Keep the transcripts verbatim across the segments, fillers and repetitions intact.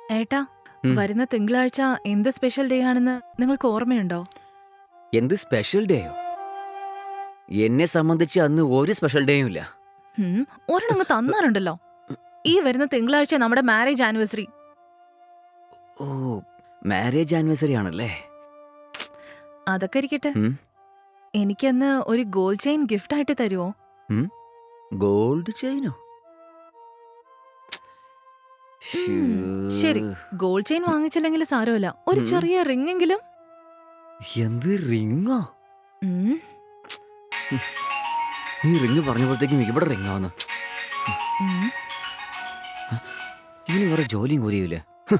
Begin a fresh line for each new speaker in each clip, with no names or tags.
ഏട്ടാ,
ഉം.
വരുന്ന തിങ്കളാഴ്ച എന്ത് സ്പെഷ്യൽ ഡേ ആണെന്ന് നിങ്ങൾക്ക് ഓർമ്മയുണ്ടോ?
എന്ത് സ്പെഷ്യൽ ഡേയോ? എന്നെ സംബന്ധിച്ച് അന്ന് ഒരു സ്പെഷ്യൽ ഡേയും ഇല്ല.
ഹും, ഒരെണ്ണങ്ങ് തന്നാലുണ്ടല്ലോ. ഈ വരുന്ന തിങ്കളാഴ്ച നമ്മുടെ മാരേജ് ആനിവേഴ്സറി.
ഓ, മാരേജ് ആനിവേഴ്സറി ആണല്ലേ?
അതൊക്കെ ഇരിക്കട്ടെ,
ഉം,
എനിക്കന്ന് ഒരു ഗോൾഡ് ചെയിൻ ഗിഫ്റ്റ് ആയിട്ട് തരുമോ?
ഉം. ഗോൾഡ് ചെയിനോ?
ശരി, ഗോൾഡ് ചെയിൻ വാങ്ങിച്ചില്ലെങ്കിൽ സാരമില്ല, ഒരു
ഉം.
ചെറിയ റിംഗ് എങ്കിലും.
എന്ത് റിങ്ങോ?
ഉം,
ഈ റിങ് പറഞ്ഞപ്പോഴത്തേക്കും ഇവിടെ റിങ്ങാവുന്നു.
ഉം.
ഇനി വേറെ ജോലിയും കൂലിയില്ല.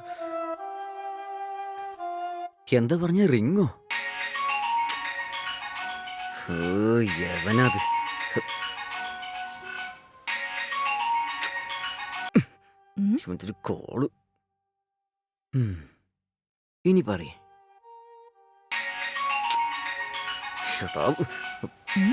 എന്താ പറഞ്ഞ റിങ്ങോ? ഓ, യവനത്.
ഉം.
ഇവന്തൊരു കോള്. ഉം. ഇനി പറയേ.
ഉം.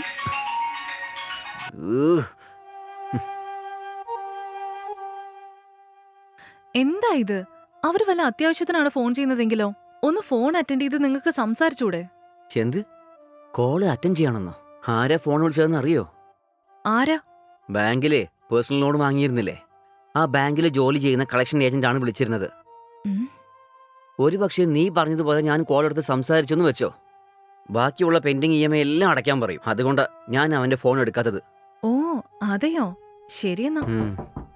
എന്താ ഇത്? അവര് വല്ല അത്യാവശ്യത്തിനാണ് ഫോൺ ചെയ്യുന്നതെങ്കിലോ? ഒന്ന് ഫോൺ അറ്റൻഡ് ചെയ്ത് നിങ്ങൾക്ക് സംസാരിച്ചൂടെ?
എന്ത് കോള് അറ്റൻഡ് ചെയ്യണമെന്നോ? ആരാ ഫോൺ വിളിച്ചതെന്ന് അറിയോ?
ആരാ?
ബാങ്കിലെ പേഴ്സണൽ ലോൺ വാങ്ങിയിരുന്നില്ലേ, ആ ബാങ്കിൽ ജോലി ചെയ്യുന്ന കളക്ഷൻ ഏജന്റ് ആണ് വിളിച്ചിരുന്നത്.
ഉം.
ഒരു പക്ഷേ നീ പറഞ്ഞതുപോലെ ഞാൻ കോൾ എടുത്ത് സംസാരിച്ചെന്ന് വെച്ചോ, ബാക്കിയുള്ള പെൻഡിങ് ഇ എം ഐ എല്ലാം അടയ്ക്കാൻ പറയും. അതുകൊണ്ട് ഞാൻ അവന്റെ ഫോൺ എടുക്കാത്തത്.
ഓ, അതെയോ? ശരിയെന്നാ.
ഉം.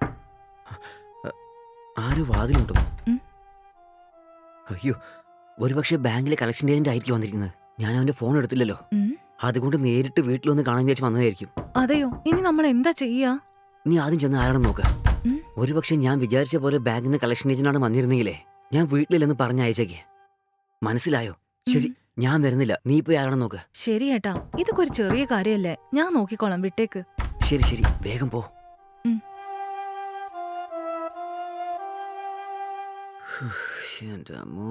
ആരും വാതിലുണ്ടോ?
ഉം.
അയ്യോ, ഒരുപക്ഷെ ബാങ്കിലെ കളക്ഷൻ ഏജന്റ് ആയിരിക്കും വന്നിരിക്കുന്നത്. ഞാൻ അവന്റെ ഫോൺ എടുത്തില്ലല്ലോ,
ഉം.
അതുകൊണ്ട് നേരിട്ട് വീട്ടിലൊന്ന് കാണാൻ വിചാരിച്ച് വന്നതായിരിക്കും.
അതെയോ? ഇനി നമ്മൾ എന്താ ചെയ്യാ?
നീ ആദ്യം ചെന്ന് ആരാണെന്ന് നോക്ക്.
ഉം.
ഒരുപക്ഷെ ഞാൻ വിചാരിച്ച പോലെ ബാങ്കിൽ നിന്ന് കളക്ഷൻ ഏജന്റാണ് വന്നിരുന്നെങ്കിലേ ഞാൻ വീട്ടിലില്ലെന്ന് പറഞ്ഞയച്ചേക്ക്. മനസ്സിലായോ? ശരി,
ഉം.
ഞാൻ വരുന്നില്ല, നീ പോയി ആരാണെന്ന് നോക്ക്.
ശരി ഏട്ടാ, ഇതൊക്കെ ഒരു ചെറിയ കാര്യല്ലേ, ഞാൻ നോക്കിക്കോളാം, വിട്ടേക്ക്.
ശരി ശരി, വേഗം പോ.
ഉം.
എൻ്റെ അമ്മോ.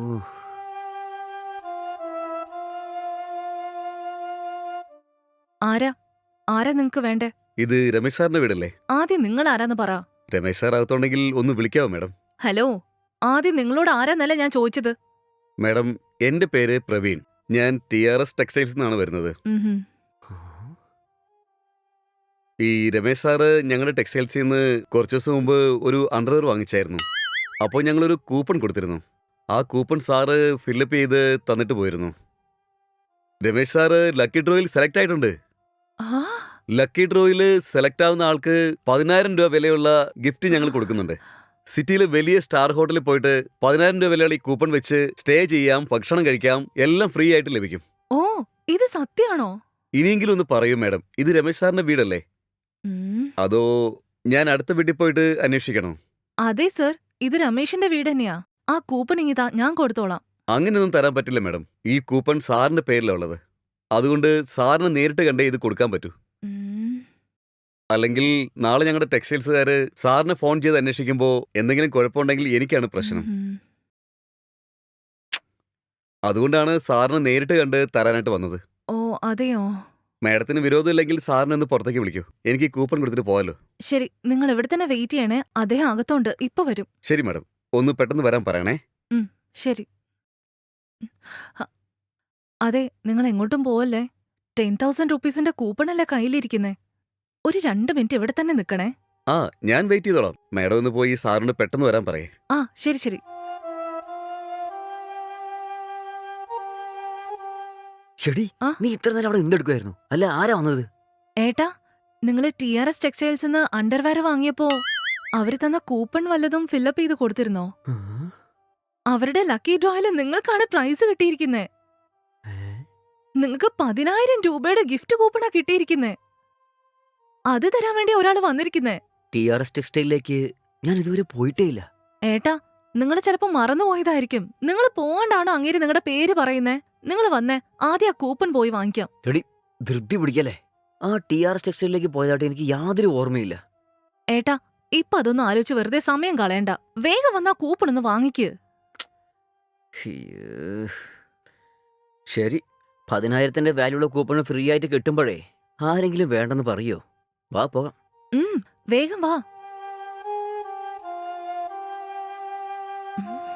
ആരാ? ആരാ നിങ്ങക്ക് വേണ്ടേ?
ഇത് രമേശ് സാറിന്റെ വീടല്ലേ?
ആദ്യം നിങ്ങൾ ആരാന്ന് പറ.
രമേശ് സാർ അകത്തുണ്ടെങ്കിൽ ഒന്ന് വിളിക്കാവോ മാഡം?
ഹലോ, ആദ്യം നിങ്ങളോട് ആരാന്നല്ല ഞാൻ ചോദിച്ചത്.
മാഡം, എന്റെ പേര് പ്രവീൺ. ഞാൻ ടി ആർ എസ് ടെക്സ്റ്റൈൽസ് നിന്നാണ് വരുന്നത്.
ഉം.
ഈ രമേശ് സാറ് ഞങ്ങളുടെ ടെക്സ്റ്റൈൽസിൽ നിന്ന് കുറച്ച് ദിവസം മുമ്പ് ഒരു അണ്ടർവെയർ വാങ്ങിച്ചായിരുന്നു. അപ്പോൾ ഞങ്ങളൊരു കൂപ്പൺ കൊടുത്തിരുന്നു. ആ കൂപ്പൺ സാറ് ഫില്ലപ്പ് ചെയ്ത് തന്നിട്ട് പോയിരുന്നു. രമേശ് സാറ് ലക്കി ഡ്രോയിൽ സെലക്ട് ആയിട്ടുണ്ട്.
ആ,
ലക്കി ഡ്രോയിൽ സെലക്ട് ആവുന്ന ആൾക്ക് പതിനായിരം രൂപ വിലയുള്ള ഗിഫ്റ്റ് ഞങ്ങൾ കൊടുക്കുന്നുണ്ട്. സിറ്റിയിലെ വലിയ സ്റ്റാർ ഹോട്ടലിൽ പോയിട്ട് പതിനായിരം രൂപ വിലയുള്ള ഈ കൂപ്പൺ വെച്ച് സ്റ്റേ ചെയ്യാം, ഭക്ഷണം കഴിക്കാം, എല്ലാം ഫ്രീ ആയിട്ട് ലഭിക്കും.
ഓ, ഇത് സത്യാണോ?
ഇനിയെങ്കിലും ഒന്ന് പറയൂ മാഡം, ഇത് രമേശ് സാറിന്റെ വീടല്ലേ?
ഉം.
അതോ ഞാൻ അടുത്ത വീട്ടിൽ പോയിട്ട് അന്വേഷിക്കണോ?
അതെ സർ, ഇത് രമേശിന്റെ വീട് തന്നെയാ. ആ കൂപ്പൺ ഇങ്ങിതാ, ഞാൻ കൊടുത്തോളാം.
അങ്ങനെയൊന്നും തരാൻ പറ്റില്ല മാഡം. ഈ കൂപ്പൺ സാറിന്റെ പേരിലാണ് ഉള്ളത്. അതുകൊണ്ട് സാറിന് നേരിട്ട് കണ്ടേ ഇത് കൊടുക്കാൻ പറ്റൂ.
ഉം.
അല്ലെങ്കിൽ നാളെ ഞങ്ങളുടെ ടെക്സ്റ്റൈൽസുകാർ സാറിനെ ഫോൺ ചെയ്ത് അന്വേഷിക്കുമ്പോൾ എന്തെങ്കിലും കുഴപ്പമുണ്ടെങ്കിൽ എനിക്കാണ് പ്രശ്നം.
ഉം.
അതുകൊണ്ടാണ് സാറിന് നേരിട്ട് കണ്ട് തരാനായിട്ട് വന്നത്.
ഓ, അതെയോ?
മാഡത്തിന് വിരോധമില്ലെങ്കിൽ സാറിനെ ഒന്ന് പുറത്തേക്ക് വിളിക്കൂ. എനിക്ക് ഈ കൂപ്പൺ കൊടുത്തിട്ട് പോകാലോ.
ശരി, നിങ്ങൾ ഇവിടെ തന്നെ വെയിറ്റ് ചെയ്യണേ, അദ്ദേഹം അകത്തോണ്ട്, ഇപ്പൊ വരും.
ശരി മാഡം, ഒന്ന് പെട്ടെന്ന് വരാൻ പറയണേ.
ശരി. ഹ, അതെ, നിങ്ങൾ എങ്ങോട്ടും പോവല്ലേ. ടെൻ തൗസൻഡ് റുപ്പീസിന്റെ കൂപ്പണല്ലേ കയ്യിലിരിക്കുന്നേ. ഒരു രണ്ട് മിനിറ്റ് ഇവിടെ തന്നെ നിക്കണേ.
ആ, ഞാൻ വെയിറ്റ് ചെയ്തോളാം. മാഡം ഒന്ന് പോയി സാറിന് പെട്ടെന്ന് വരാൻ പറയേ.
ആ, ശരി ശരി.
എടി,
ആ?
നീ ഇത്ര നേരം അവിടെ എന്തെടുക്കുമായിരുന്നു? അല്ല, ആരാ വന്നത്?
ഏട്ടാ, നിങ്ങള് T R S textiles underwear വാങ്ങിയപ്പോ അവര് തന്ന കൂപ്പൺ വല്ലതും ഫില്ലപ്പ് ചെയ്ത് കൊടുത്തിരുന്നോ?
ആ?
അവരുടെ ലക്കി ഡ്രോയില് നിങ്ങൾക്കാണ് പ്രൈസ് കിട്ടിയിരിക്കുന്നേ.
ഏ?
നിങ്ങൾക്ക് പതിനായിരം രൂപയുടെ ഗിഫ്റ്റ് കൂപ്പണാ കിട്ടിയിരിക്കുന്നേ. അത് തരാൻ വേണ്ടി ഒരാൾ വന്നിരിക്കുന്നേ.
ടി ആർ എസ് ടെക്സ്റ്റൈലിലേക്ക് ഞാൻ ഇതുവരെ പോയിട്ടേ ഇല്ല.
ഏട്ടാ, നിങ്ങൾ ചിലപ്പോ മറന്നുപോയതായിരിക്കും. നിങ്ങൾ പോവാണ്ടാണോ അങ്ങേര് നിങ്ങളുടെ പേര് പറയുന്നേ? നിങ്ങൾ വന്നേ, ആദ്യം ആ കൂപ്പൺ പോയി വാങ്ങിക്കാം.
എടി, ധൃതി പിടിക്കല്ലേ. ആ ടി ആർ എസ് ടെക്സ്റ്റൈലിലേക്ക് പോയതായിട്ട് എനിക്ക് യാതൊരു ഓർമ്മയില്ല.
ഏട്ടാ, ഇപ്പൊ അതൊന്നും ആലോചിച്ച് വെറുതെ സമയം കളയണ്ട. വേഗം വന്നാ കൂപ്പൺ ഒന്ന് വാങ്ങിക്ക്.
ഹിയ്യേ. ശരി, പതിനായിരത്തിന്റെ വാല്യുള്ള കൂപ്പൺ ഫ്രീ ആയിട്ട് കിട്ടുമ്പോഴേ ആരെങ്കിലും വേണ്ടെന്ന് പറയോ? വാ പോകാം.
ഉം, വേഗം വാ. ഉം.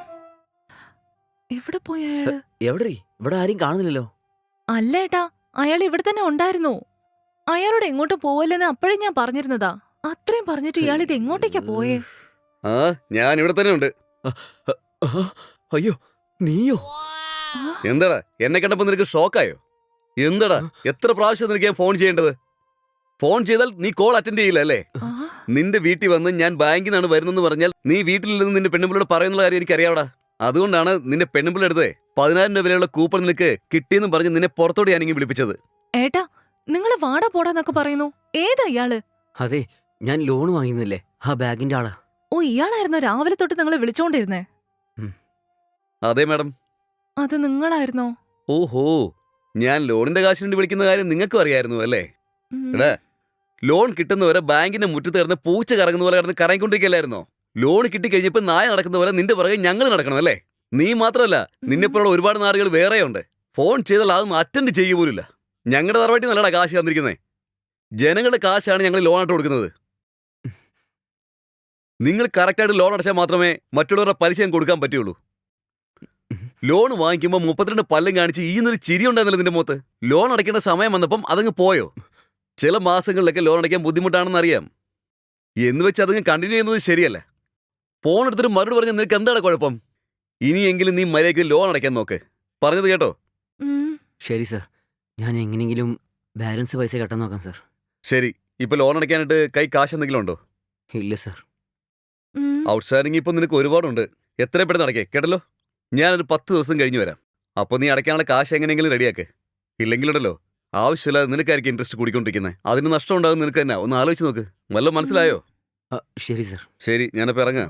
എവിടെ പോയി അയാള്?
എവിടെ ഇവിടെ ആരും കാണുന്നില്ലല്ലോ.
അല്ല ഏട്ടാ, അയാൾ ഇവിടെ തന്നെ ഉണ്ടായിരുന്നു. അയാളോട് എങ്ങോട്ടും പോവല്ലെന്ന് അപ്പോഴേ ഞാൻ പറഞ്ഞിരുന്നതാ. അത്രയും പറഞ്ഞിട്ട് ഇയാൾ ഇത് എങ്ങോട്ടേക്കാ പോയേ?
ആ ഞാൻ ഇവിടെ തന്നെ ഉണ്ട്.
അയ്യോ, നീയോ?
ആ,
എന്താടാ എന്നെ കണ്ടപ്പോ നിനക്ക് ഷോക്കായോ? എന്താടാ എത്ര പ്രാവശ്യം നിനക്ക് ഞാൻ ഫോൺ ചെയ്യേണ്ടത്? ഫോൺ ചെയ്താൽ നീ കോൾ അറ്റൻഡ് ചെയ്യില്ല അല്ലേ?
ആ,
നിന്റെ വീട്ടിൽ വന്ന് ഞാൻ ബാങ്കിൽ നിന്നാണ് വരുന്നെന്ന് പറഞ്ഞാൽ നീ വീട്ടിൽ നിന്ന് നിന്റെ പെണ്ണുമ്പിളോട് പറയുന്ന കാര്യം എനിക്കറിയാവടാ. അതുകൊണ്ടാണ് നിന്റെ പെണ്ണുമ്പിള്ള എടുത്തേ പതിനായിരം രൂപ വിലയുള്ള കൂപ്പൺ നിനക്ക് കിട്ടിയെന്ന് പറഞ്ഞ് നിന്നെ പുറത്തോടെ ഞാനെങ്കിൽ വിളിപ്പിച്ചത്.
ഏട്ടാ, നിങ്ങള് വാടാ പോടാന്നൊക്കെ പറയുന്നു. ഏതാ ഇയാള്?
അതെ, ഞാൻ ലോൺ വാങ്ങിയിരുന്നില്ലേ, ആ ബാഗിന്റെ ആളാ.
ഓ, ഇയാളായിരുന്നോ രാവിലെ തൊട്ട് നിങ്ങളെ വിളിച്ചോണ്ടിരുന്നേ?
അതെ മാഡം.
അത് നിങ്ങളായിരുന്നോ?
ഓഹോ, ഞാൻ ലോണിന്റെ കാശ് വേണ്ടി വിളിക്കുന്ന കാര്യം നിങ്ങൾക്കും അറിയായിരുന്നു അല്ലേ?
ഉം.
എടാ, ലോൺ കിട്ടുന്നവരെ ബാങ്കിന്റെ മുറ്റത്ത് കിടന്ന് പൂച്ച കറങ്ങുന്ന പോലെ കിടന്ന് കറങ്ങിക്കൊണ്ടിരിക്കല്ലായിരുന്നോ? ലോൺ കിട്ടിക്കഴിഞ്ഞപ്പോ നായ നടക്കുന്ന പോലെ നിന്റെ പുറകെ ഞങ്ങൾ നടക്കണം അല്ലേ? നീ മാത്രമല്ല, നിന്നെപ്പോലുള്ള ഒരുപാട് നാറുകൾ വേറെയുണ്ട്. ഫോൺ ചെയ്താൽ അതൊന്നും അറ്റൻഡ് ചെയ്യുക പോലില്ല. ഞങ്ങളുടെ തറവാട്ടി നല്ലടാ കാശ് തന്നിരിക്കുന്നേ. ജനങ്ങളുടെ കാശാണ് ഞങ്ങൾ ലോൺ ആയിട്ട് കൊടുക്കുന്നത്. നിങ്ങൾ കറക്റ്റായിട്ട് ലോൺ അടച്ചാൽ മാത്രമേ മറ്റുള്ളവരുടെ പലിശ ഞങ്ങൾക്ക് കൊടുക്കാൻ പറ്റുള്ളൂ. ലോൺ വാങ്ങിക്കുമ്പോൾ മുപ്പത്തിരണ്ട് പല്ലും കാണിച്ച് ഈ എന്നൊരു ചിരി ഉണ്ടായിരുന്നല്ലോ നിന്റെ മുഖത്ത്. ലോൺ അടയ്ക്കേണ്ട സമയം വന്നപ്പം അതങ്ങ് പോയോ? ചില മാസങ്ങളിലൊക്കെ ലോൺ അടയ്ക്കാൻ ബുദ്ധിമുട്ടാണെന്ന് അറിയാം. എന്ന് വെച്ച് അതങ്ങ് കണ്ടിന്യൂ ചെയ്യുന്നത് ശരിയല്ല. ഫോൺ എടുത്തിട്ട് മറുപടി പറഞ്ഞാൽ നിനക്ക് എന്താണ് കുഴപ്പം? ഇനിയെങ്കിലും നീ മര്യാദയ്ക്ക് ലോൺ അടയ്ക്കാൻ നോക്ക്. പറഞ്ഞത് കേട്ടോ?
ഉം.
ശരി സർ, ഞാൻ എങ്ങനെയെങ്കിലും ബാലൻസ് പൈസ കെട്ടാൻ നോക്കാം സർ.
ശരി, ഇപ്പൊ ലോൺ അടയ്ക്കാനായിട്ട് കൈ കാശ് എന്തെങ്കിലും ഉണ്ടോ?
ഇല്ല സർ.
ഉം.
ഔട്ട്സ്റ്റാൻഡിങ് ഇപ്പൊ നിനക്ക് ഒരുപാടുണ്ട്. എത്ര പെട്ടെന്ന് അടയ്ക്കേ കേട്ടല്ലോ. ഞാനൊരു പത്ത് ദിവസം കഴിഞ്ഞ് വരാം. അപ്പോൾ നീ അടയ്ക്കാനുള്ള കാശ് എങ്ങനെയെങ്കിലും റെഡിയാക്ക്. ഇല്ലെങ്കിലുണ്ടല്ലോ ആവശ്യമില്ലാതെ നിനക്കായിരിക്കും ഇൻട്രസ്റ്റ് കൂടിക്കൊണ്ടിരിക്കുന്നത്. അതിന് നഷ്ടം ഉണ്ടാകും നിനക്ക് തന്നെ. ഒന്ന് ആലോചിച്ച് നോക്ക്. വല്ലതും മനസ്സിലായോ?
ആ, ശരി സർ.
ശരി, ഞാനപ്പോൾ ഇറങ്ങാം.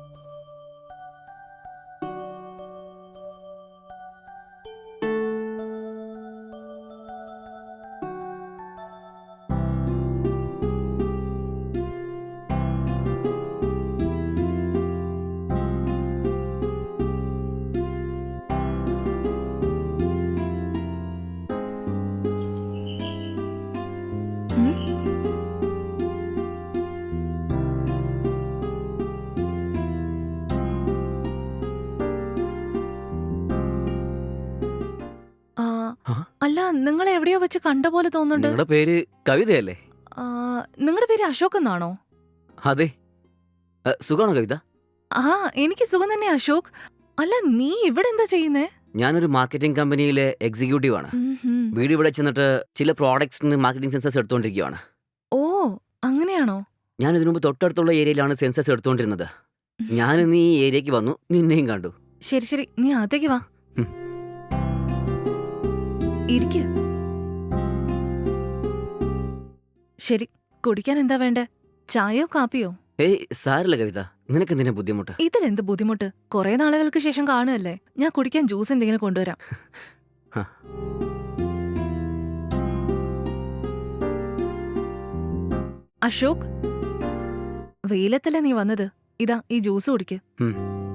ഉം. ആ,
ആ?
അല്ല, നിങ്ങളെ എവിടെയോ വെച്ച് കണ്ട പോലെ തോന്നുന്നുണ്ട്.
നിങ്ങളുടെ പേര് കവിതയല്ലേ?
ആ, നിങ്ങളുടെ പേര് അശോക് എന്നാണോ?
അതെ. ആ, സുഖാണോ കവിത?
ആ, എനിക്ക് സുഖം തന്നെ അശോക്. അല്ല, നീ ഇവിടെ എന്താ ചെയ്യുന്നേ?
ഞാനൊരു മാർക്കറ്റിംഗ് കമ്പനിയിലെ എക്സിക്യൂട്ടീവ് ആണ്.
ഉം, ഉം.
വീട് ഇവിടെ ചെന്നിട്ട് ചില പ്രോഡക്ട്സിന് മാർക്കറ്റിംഗ് സെൻസസ് എടുത്തുകൊണ്ടിരിക്കുകയാണ്.
ഓ, അങ്ങനെയാണോ?
ഞാൻ ഇതിനു മുമ്പ് തൊട്ടടുത്തുള്ള ഏരിയയിലാണ് സെൻസസ് എടുത്തുകൊണ്ടിരുന്നത്. ഞാൻ ഇന്ന് ഈ ഏരിയയ്ക്ക് വന്നു, നിന്നെയും കണ്ടു.
ശരി ശരി, നീ അകത്തേക്ക് വാ.
ഉം.
ഇരിക്ക്. ശരി, കുടിക്കാൻ എന്താ വേണ്ടേ? ചായയോ കാപ്പിയോ?
ഏയ് സാരില്ല കവിത, നിനക്ക് എന്തിനാ ബുദ്ധിമുട്ട്?
ഇതിലെന്ത് ബുദ്ധിമുട്ട്? കുറെ നാളുകൾക്ക് ശേഷം കാണുകയല്ലേ. ഞാൻ കുടിക്കാൻ ജ്യൂസ് എന്തെങ്കിലും കൊണ്ടുവരാം.
ഹ.
അശോക്, വെയിലത്തല്ലേ നീ വന്നത്? ഇതാ ഈ ജ്യൂസ് കുടിക്ക്.
ഉം.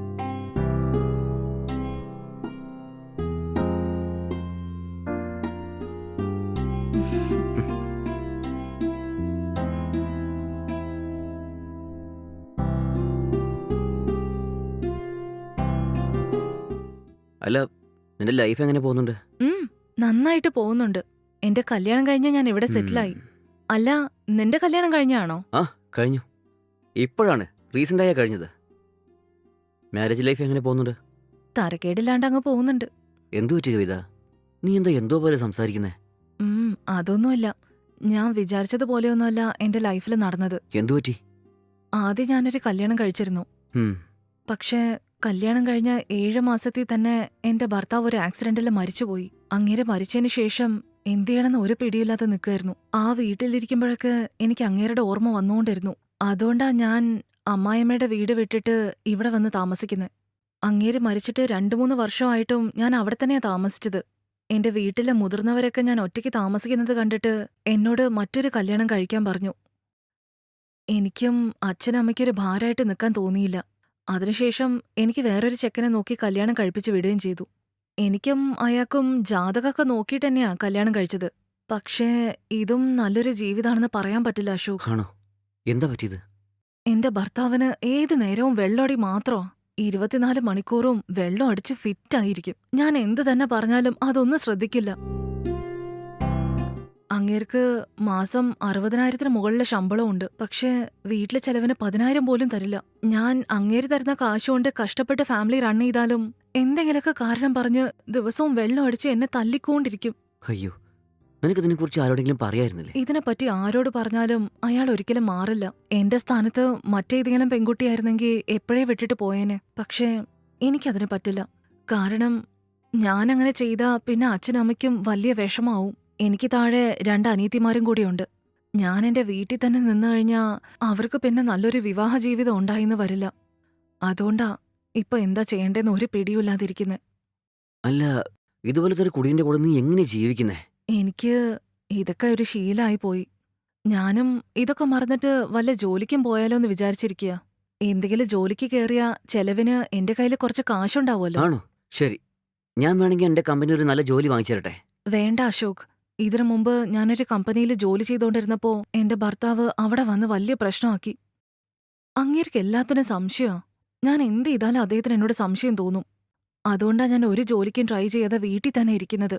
അല്ല, നിന്റെ ലൈഫ് എങ്ങനെ പോകുന്നുണ്ട്?
ഉം, നന്നായിട്ട് പോകുന്നുണ്ട്. എന്റെ കല്യാണം കഴിഞ്ഞ് ഞാൻ ഇവിടെ സെറ്റിലായി.
ഉം.
അല്ല, നിന്റെ കല്യാണം കഴിഞ്ഞാണോ?
കഴിഞ്ഞു. ഇപ്പോഴാണ് റീസെന്റ് ആയാ കഴിഞ്ഞത്. മാരേജ് ലൈഫ് എങ്ങനെ പോകുന്നുണ്ട്?
തരക്കേടില്ലാണ്ട് അങ്ങ് പോകുന്നുണ്ട്.
എന്തു പറ്റി കവിത? നീ എന്താ എന്തോ പോലെ സംസാരിക്കുന്നേ?
ഉം, അതൊന്നുമില്ല. ഞാൻ വിചാരിച്ചതുപോലെയൊന്നുമല്ല എന്റെ ലൈഫിൽ നടന്നത്.
എന്തു പറ്റി?
ആദ്യം ഞാനൊരു കല്യാണം കഴിച്ചിരുന്നു.
ഉം.
പക്ഷേ കല്യാണം കഴിഞ്ഞ ഏഴ് മാസത്തിൽ തന്നെ എന്റെ ഭർത്താവ് ഒരു ആക്സിഡന്റിൽ മരിച്ചുപോയി. അങ്ങേരെ മരിച്ചതിന് ശേഷം എന്ത് ചെയ്യണമെന്ന് ഒരു പിടിയില്ലാതെ നിൽക്കായിരുന്നു. ആ വീട്ടിലിരിക്കുമ്പോഴൊക്കെ എനിക്ക് അങ്ങേരുടെ ഓർമ്മ വന്നുകൊണ്ടിരുന്നു. അതുകൊണ്ടാ ഞാൻ അമ്മായിയമ്മയുടെ വീട് വിട്ടിട്ട് ഇവിടെ വന്ന് താമസിക്കുന്നത്. അങ്ങേര് മരിച്ചിട്ട് രണ്ടു മൂന്ന് വർഷമായിട്ടും ഞാൻ അവിടെ തന്നെയാ താമസിച്ചത്. എന്റെ വീട്ടിലെ മുതിർന്നവരൊക്കെ ഞാൻ ഒറ്റയ്ക്ക് താമസിക്കുന്നത് കണ്ടിട്ട് എന്നോട് മറ്റൊരു കല്യാണം കഴിക്കാൻ പറഞ്ഞു. എനിക്കും അച്ഛനമ്മയ്ക്കൊരു ഭാരമായിട്ട് നിൽക്കാൻ തോന്നിയില്ല. അതിനുശേഷം എനിക്ക് വേറൊരു ചെക്കനെ നോക്കി കല്യാണം കഴിപ്പിച്ച് വിടുകയും ചെയ്തു. എനിക്കും അയാൾക്കും ജാതകമൊക്കെ നോക്കിയിട്ട് തന്നെയാ കല്യാണം കഴിച്ചത്. പക്ഷേ ഇതും നല്ലൊരു ജീവിതാണെന്ന് പറയാൻ പറ്റില്ല അശോക്.
ആണോ? എന്താ പറ്റിയത്?
എന്റെ ഭർത്താവിന് ഏത് നേരവും വെള്ളോടി മാത്രമാ. ഇരുപത്തിനാല് മണിക്കൂറും വെള്ളം അടിച്ച് ഫിറ്റായിരിക്കും. ഞാൻ എന്ത് തന്നെ പറഞ്ഞാലും അതൊന്നും ശ്രദ്ധിക്കില്ല. അങ്ങേർക്ക് മാസം അറുപതിനായിരത്തിന് മുകളിലെ ശമ്പളമുണ്ട്. പക്ഷേ വീട്ടിലെ ചെലവിന് പതിനായിരം പോലും തരില്ല. ഞാൻ അങ്ങേര് തരുന്ന കാശുകൊണ്ട് കഷ്ടപ്പെട്ട് ഫാമിലി റൺ ചെയ്താലും എന്തെങ്കിലുമൊക്കെ കാരണം പറഞ്ഞ് ദിവസവും വെള്ളം അടിച്ച് എന്നെ തല്ലിക്കൊണ്ടിരിക്കും.
അയ്യോ, നിനക്കിതിനെക്കുറിച്ച് ആരോടെങ്കിലും പറയായിരുന്നില്ലേ?
ഇതിനെപ്പറ്റി ആരോട് പറഞ്ഞാലും അയാൾ ഒരിക്കലും മാറില്ല. എന്റെ സ്ഥാനത്ത് മറ്റേതെങ്കിലും പെൺകുട്ടിയായിരുന്നെങ്കിൽ എപ്പോഴേ വിട്ടിട്ട് പോയേനെ. പക്ഷേ എനിക്കതിന് പറ്റില്ല. കാരണം ഞാനങ്ങനെ ചെയ്താ പിന്നെ അച്ഛനമ്മയ്ക്കും വലിയ വിഷമാവും. എനിക്ക് താഴെ രണ്ട് അനിയത്തിമാരും കൂടിയുണ്ട്. ഞാൻ എന്റെ വീട്ടിൽ തന്നെ നിന്ന് കഴിഞ്ഞാ അവർക്ക് പിന്നെ നല്ലൊരു വിവാഹ ജീവിതം ഉണ്ടായിന്ന് വരില്ല. അതുകൊണ്ടാ ഇപ്പൊ എന്താ ചെയ്യേണ്ടെന്ന് ഒരു പിടിയുമില്ലാതിരിക്കുന്നെ.
അല്ല, ഇതുപോലത്തെ ഒരു കുടീന്റെ കൂടെ നീ എങ്ങനെ ജീവിക്കുന്നേ?
എനിക്ക് ഇതൊക്കെ ഒരു ശീലായി പോയി. ഞാനും ഇതൊക്കെ മറന്നിട്ട് വല്ല ജോലിക്കും പോയാലോ എന്ന് വിചാരിച്ചിരിക്കുക. എന്തെങ്കിലും ജോലിക്ക് കേറിയാ ചെലവിന് എന്റെ കയ്യിൽ കുറച്ച് കാശുണ്ടാവുമല്ലോ.
ആണോ? ശരി, ഞാൻ വേണമെങ്കിൽ എന്റെ കമ്പനി ഒരു നല്ല ജോലി വാങ്ങിച്ചു തരട്ടെ.
വേണ്ട അശോക്. ഇതിനു മുമ്പ് ഞാനൊരു കമ്പനിയിൽ ജോലി ചെയ്തുകൊണ്ടിരുന്നപ്പോ എന്റെ ഭർത്താവ് അവിടെ വന്ന് വലിയ പ്രശ്നമാക്കി. അങ്ങേർക്ക് എല്ലാത്തിനും സംശയമാ. ഞാൻ എന്ത് ചെയ്താലും അദ്ദേഹത്തിന് എന്നോട് സംശയം തോന്നും. അതുകൊണ്ടാ ഞാൻ ഒരു ജോലിക്കും ട്രൈ ചെയ്യാതെ വീട്ടിൽ തന്നെ ഇരിക്കുന്നത്.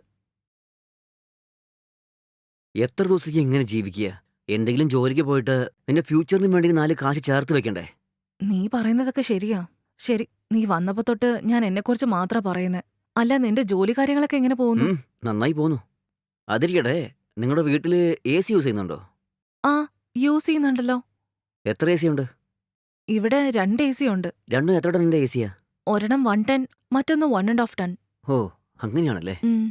എത്ര ദിവസത്തേക്ക് എങ്ങനെ ജീവിക്കുക? എന്തെങ്കിലും ജോലിക്ക് പോയിട്ട് നിന്റെ ഫ്യൂച്ചറിന് വേണ്ടി നാല് കാശ് ചേർത്ത് വെക്കണ്ടേ?
നീ പറയുന്നതൊക്കെ ശരിയാ. ശരി, നീ വന്നപ്പോ തൊട്ട് ഞാൻ എന്നെക്കുറിച്ച് മാത്രാ പറയുന്നേ. അല്ല, നിന്റെ ജോലി കാര്യങ്ങളൊക്കെ എങ്ങനെ പോകുന്നു?
ഉം, നന്നായി പോന്നു. അതിരിക്കട്ടെ, നിങ്ങളുടെ വീട്ടില് എ സി യൂസ് ചെയ്യുന്നുണ്ടോ?
ആ, യൂസ് ചെയ്യുന്നുണ്ടല്ലോ.
എത്ര എ സി ഉണ്ട്?
ഇവിടെ രണ്ട് എ സി ഉണ്ട്.
രണ്ടും എത്ര ടണ്ണിന്റെ എ സിയാ?
ഒരെണ്ണം വൺ ടെൻ, മറ്റൊന്ന് വൺ ആൻഡ് ഹാഫ് ടൺ.
ഓ, അങ്ങനെയാണല്ലേ.
ഉം.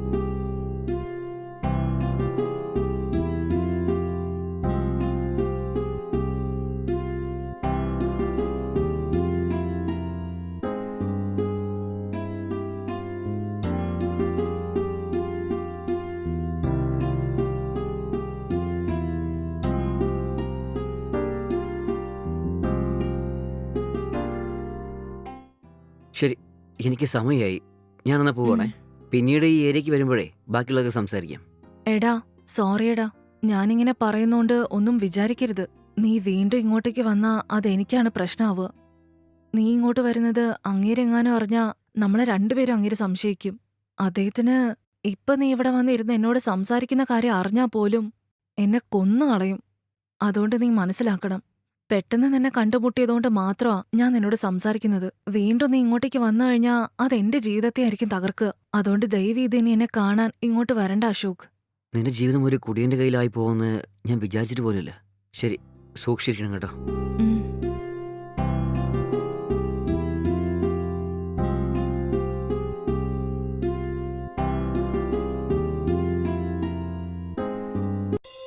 ശരി, എനിക്ക് സമയമായി. ഞാനെന്നാ പോവാണേ. പിന്നീട് ഈ ഏരിയക്ക് വരുമ്പോഴേ ബാക്കിയുള്ളതൊക്കെ സംസാരിക്കാം.
എടാ, സോറിയടാ. ഞാനിങ്ങനെ പറയുന്നോണ്ട് ഒന്നും വിചാരിക്കരുത്. നീ വീണ്ടും ഇങ്ങോട്ടേക്ക് വന്നാ അതെനിക്കാണ് പ്രശ്നാവുക. നീ ഇങ്ങോട്ട് വരുന്നത് അങ്ങേരെങ്ങാനും അറിഞ്ഞാ നമ്മളെ രണ്ടുപേരും അങ്ങേര് സംശയിക്കും. അദ്ദേഹത്തിന് ഇപ്പൊ നീ ഇവിടെ വന്നിരുന്ന് എന്നോട് സംസാരിക്കുന്ന കാര്യം അറിഞ്ഞാ പോലും എന്നെ കൊന്നു കളയും. അതുകൊണ്ട് നീ മനസ്സിലാക്കണം. പെട്ടെന്ന് നിന്നെ കണ്ടുമുട്ടിയതുകൊണ്ട് മാത്രമാ ഞാൻ നിന്നോട് സംസാരിക്കുന്നത്. വീണ്ടും നീ ഇങ്ങോട്ടേക്ക് വന്നു കഴിഞ്ഞാ അതെന്റെ ജീവിതത്തെ ആയിരിക്കും തകർക്കുക. അതുകൊണ്ട് ദയവീത് ഇനി എന്നെ കാണാൻ ഇങ്ങോട്ട് വരണ്ട അശോക്.
നിന്റെ ജീവിതം ഒരു കുടിയന്റെ കയ്യിലായി പോകുമെന്ന് ഞാൻ വിചാരിച്ചിട്ട് പോലുമില്ല. ശരി, സൂക്ഷിച്ചിരിക്കണം കേട്ടോ.
ഉം.